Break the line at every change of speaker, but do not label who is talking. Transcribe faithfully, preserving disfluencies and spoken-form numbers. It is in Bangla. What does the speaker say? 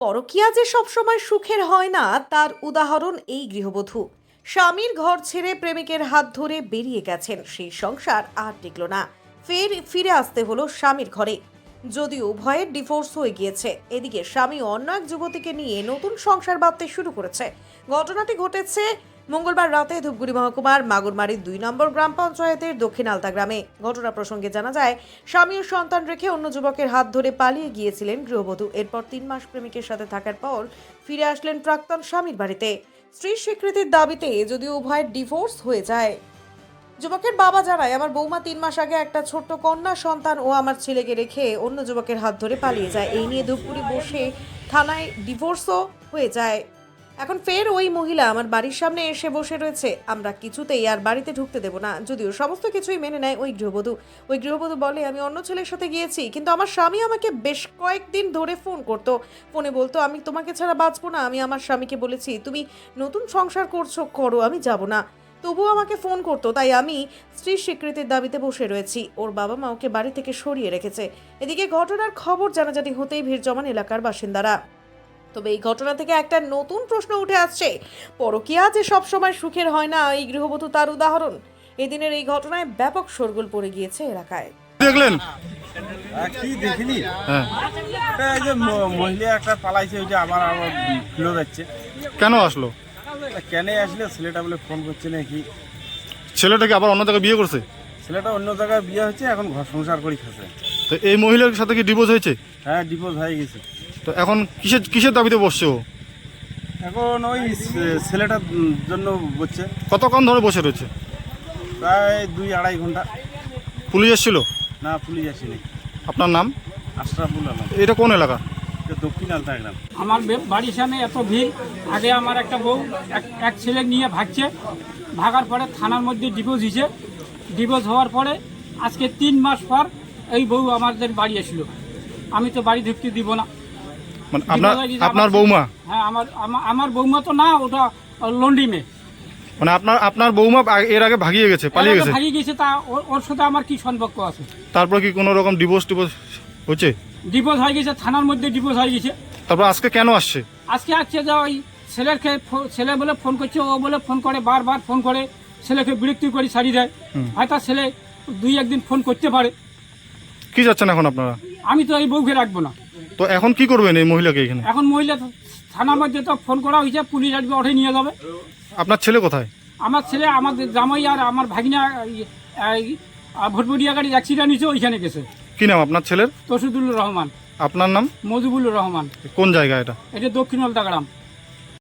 পরকীয়া যে সবসময় সুখের হয় না তার উদাহরণ এই গৃহবধূ। স্বামীর ঘর ছেড়ে প্রেমিকের হাত ধরে বেরিয়ে গেছেন, সেই সংসার আর টিকল না। ফের ফিরে আসতে হলো স্বামীর ঘরে, যদিও উভয়ের ডিভোর্স হয়ে গিয়েছে। এদিকে স্বামী অন্য এক যুবতীকে নিয়ে নতুন সংসার বাঁধতে শুরু করেছে। ঘটনাটি ঘটেছে মঙ্গলবার রাতে ধূপগুড়ি মহকুমার মাগুরমারির দুই নম্বর গ্রাম পঞ্চায়েতের দক্ষিণ আলতা গ্রামে। ঘটনা প্রসঙ্গে জানা যায়, স্বামী ও সন্তান রেখে অন্য যুবকের হাত ধরে পালিয়ে গিয়েছিলেন গৃহবধূ। এরপর তিন মাস প্রেমিকের সাথে থাকার পর ফিরে আসলেন প্রাক্তন স্বামীর বাড়িতে। স্ত্রীর স্বীকৃতির দাবিতে যদিও উভয়ের ডিভোর্স হয়ে যায়। যুবকের বাবা জানায়, আমার বৌমা তিন মাস আগে একটা ছোট্ট কন্যা সন্তান ও আমার ছেলেকে রেখে অন্য যুবকের হাত ধরে পালিয়ে যায়। এই নিয়ে ধূপগুড়ি বসে থানায় ডিভোর্সও হয়ে যায়। এখন ফের ওই মহিলা আমার বাড়ির সামনে এসে বসে রয়েছে। আমরা কিছুতেই আর বাড়িতে ঢুকতে দেব না। যদিও সমস্ত কিছুই মেনে নেয় ওই গৃহবধূ। ওই গৃহবধূ বলে, আমি অন্য ছেলের সাথে গিয়েছি, কিন্তু আমার স্বামী আমাকে বেশ কয়েকদিন ধরে ফোন করতো। ফোনে বলতো, আমি তোমাকে ছাড়া বাঁচবো না। আমি আমার স্বামীকে বলেছি, তুমি নতুন সংসার করছো করো, আমি যাব না। তবুও আমাকে ফোন করতো, তাই আমি স্ত্রীর স্বীকৃতির দাবিতে বসে রয়েছি। ওর বাবা মা ওকে বাড়ি থেকে সরিয়ে রেখেছে। এদিকে ঘটনার খবর জানাজানি হতেই ভিড় জমান এলাকার বাসিন্দারা। তবে এই ঘটনা থেকে একটা নতুন প্রশ্ন উঠে আসছে, পরকীয়া যে সবসময় সুখের হয় না এই গৃহবধূ তার উদাহরণ। এদিনের এই ঘটনায় ব্যাপক শোরগোল পড়ে গিয়েছে এলাকায়।
দেখলেন
কি দেখিনি?
হ্যাঁ,
এটা এই যে ম- মহিলা একটা পালাইছে, ওই যে আমার আমার ফিরে যাচ্ছে।
কেন আসলো?
কেন আসলে ছেলেটা বলে ফোন করছে নাকি?
ছেলেটাকে আবার অন্য জায়গায় বিয়ে করছে?
ছেলেটা অন্য জায়গায় বিয়ে হচ্ছে, এখন ঘর সংসার করে খাচ্ছে।
তো এই মহিলার সাথে কি ডিভোর্স হয়েছে?
হ্যাঁ, ডিভোর্স হয়ে গেছে।
তো এখন কিসের কিসের দাবিতে বসছে ও?
এখন ওই ছে- ছেলেটার উম জন্য বলছে।
কতক্ষণ ধরে বসে রয়েছে?
প্রায় দুই আড়াই ঘন্টা।
পুলিশ এসেছিল?
না, পুলিশ আসেনি।
আপনার নাম?
আশরাফুল আলম।
এটা কোন এলাকা?
এটা দক্ষিণ আলতা গ্রাম।
আমার বে- বাড়ির সামনে এত ভিড়। আগে আমার একটা বউ এক এক ছেলে নিয়ে ভাগছে, ভাগার পরে থানার মধ্যে ডিভোর্স হয়েছে। ডিভোর্স হওয়ার পরে আজকে তিন মাস পর এই বউ আমাদের বাড়ি এসেছিল। আমি তো বাড়ি ঢুকতে দিব না।
মানে আপনার
ডিভোর্স হয়ে গেছে
আপনার
আমার-
বৌমা?
হ্যাঁ, আমার আমার- আমার বৌমা তো না, ওটা লন্ডি মেয়ে।
মানে আপনার আপনার বৌমা আগে- এর আগে ভাগিয়ে গেছে, পালিয়ে গেছে?
ভাগিয়ে গেছে, তা ওর- ওর সাথে আমার কি সম্পর্ক আছে?
তারপর কি কোনো রকম ডিভোর্স টিভোর্স হচ্ছে?
ডিভোর্স হয়ে গেছে, থানার মধ্যে ডিভোর্স হয়ে গেছে।
তারপর আজকে কেন আসছে?
আজকে আসছে যে ওই ছেলেকে ফো- ছেলে বলে ফোন করছে, ও বলে ফোন করে, বারবার ফোন করে, ছেলেকে বিরক্তি করে ছাড়িয়ে দেয়। হয়তো ছেলে দুই একদিন ফোন করতে পারে।
কি যাচ্ছেন এখন আপনারা?
আমি তো এই বউকে রাখবো না।
তো এখন কি করবেন এই মহিলাকে এখানে?
এখন মহিলা তো থানার মধ্যে তো ফোন করা হয়েছে, পুলিশ আসবে, ওঠে নিয়ে যাবে।
আপনার ছেলে কোথায়?
আমার ছেলে আমাদের জামাই আর আমার ভাগিনা ভোটবুড়িয়া গাড়ির অ্যাক্সিডেন্ট হয়েছে, ওইখানে গেছে।
কি নাম আপনার ছেলের?
তসিদুল্লুর রহমান।
আপনার নাম?
মজিবুল্লুর রহমান।
কোন জায়গা এটা?
এটা দক্ষিণ আলতা গ্রাম।